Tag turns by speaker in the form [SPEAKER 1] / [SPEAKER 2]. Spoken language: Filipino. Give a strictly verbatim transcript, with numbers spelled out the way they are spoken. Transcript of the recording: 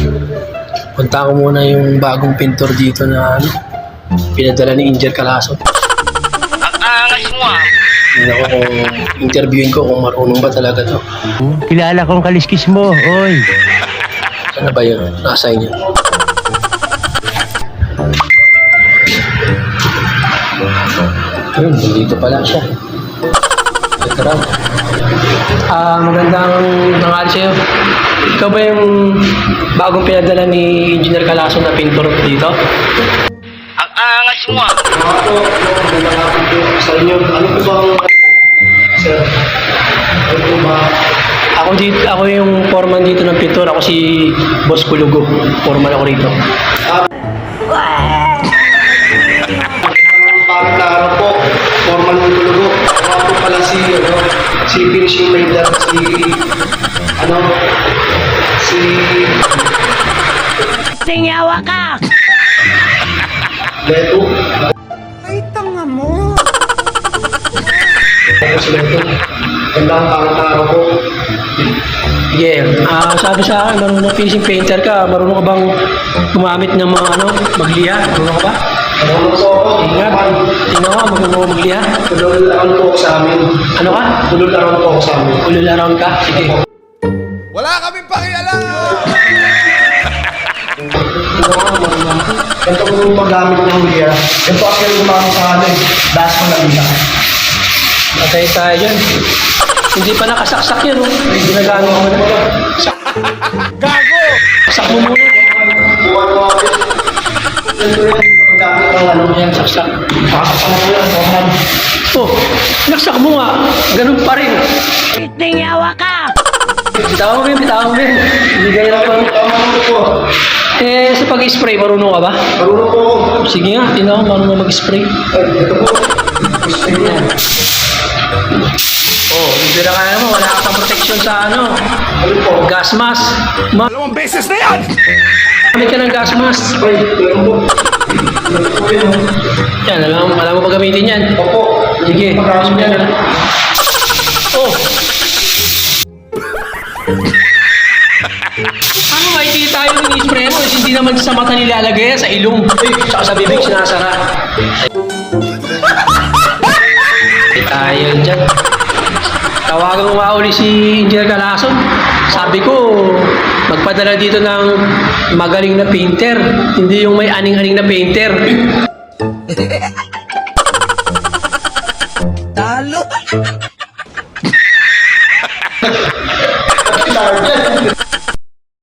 [SPEAKER 1] Punta ko muna yung bagong pintor dito na ano, pinadala ni Injer Calaso.
[SPEAKER 2] Ang angas mo ah.
[SPEAKER 1] Hindi ako kung interviewin ko kung marunong ba talaga to.
[SPEAKER 3] Kilala kong kaliskis mo, oy.
[SPEAKER 1] Ano ba yun? Nasa inyo. Ayun, dito pala siya. Ito raw. Ah, magandang tanghali sa'yo. Ikaw ba yung bagong pinadala ni Engineer Calaso na pintor dito?
[SPEAKER 2] Ang angas mo ah.
[SPEAKER 1] Ako po, magandang hapon po sa inyo. Ano po ba ang... Sir, ano po ba? Ako, dito, ako yung foreman dito ng pintor. Ako si Boss Kulugo. Foreman ako rito. Ah, Pangitaro po, formal ng Kulugo. Ako po pala si, ano, si finishing maker, si, ano, si...
[SPEAKER 3] Singawa ka!
[SPEAKER 1] Leto.
[SPEAKER 4] Ay, tanga mo!
[SPEAKER 1] Ako si Leto. Ganda ang pangitaro ko. Yeah. Ah, sabi sa akin, marunong finishing painter ka. Marunong ka bang gumamit ng mga, ano, magliha? Marunong ka ba? Marunong po ako. Ingat. Tingnan ko, marunong ka magliha? Ulul around po ako sa amin. Ano ka? Ulul around po ako sa amin. Ulul around ka? Sige.
[SPEAKER 4] Wala kaming pakialam!
[SPEAKER 1] Ganito ko yung paggamit ng gear. Ito ako yung gumamit sa ano eh. Das mo lang isa. Matay tayo dyan. Hindi pa nakasaksak yan, oh. Ginagamit mo na.
[SPEAKER 4] Gago!
[SPEAKER 1] Saksak mo muna. Buwan mo ako. Ito yung paggamit ng ano yan, saksak. Saksak mo yan, sohan. Oh, naksak mo nga. Ganun pa rin.
[SPEAKER 3] Singawa ka!
[SPEAKER 1] Bitawan mo yun, bitawan mo yun. Hindi gaya na pa. Bitawan po. Eh, sa pag-spray, marunong ka ba? Marunong po ako. Sige nga, tingnan ko, marunong mag-spray. Ay, ito po. Spray yan. Oh, hindi na kaya mo, wala ka pang protection sa ano. Ano po? Gas mask. Ma
[SPEAKER 4] Dalawang beses na yan!
[SPEAKER 1] Gamit ka ng gas mask. Ay, meron po. Yan, alam, alam mo ba gamitin yan? Opo. Sige, pagkakas mo yan. Oh. Ano makikita tayo ng spray mo? Hindi naman sa mata nilalagay yan, sa ilong. Ay, saka sa bibig sinasara. Ay, tayo dyan. Tawagan ko nga uli si Engineer Calaso. Sabi ko, magpadala dito ng magaling na painter. Hindi yung may aning-aning na painter.
[SPEAKER 4] Talo!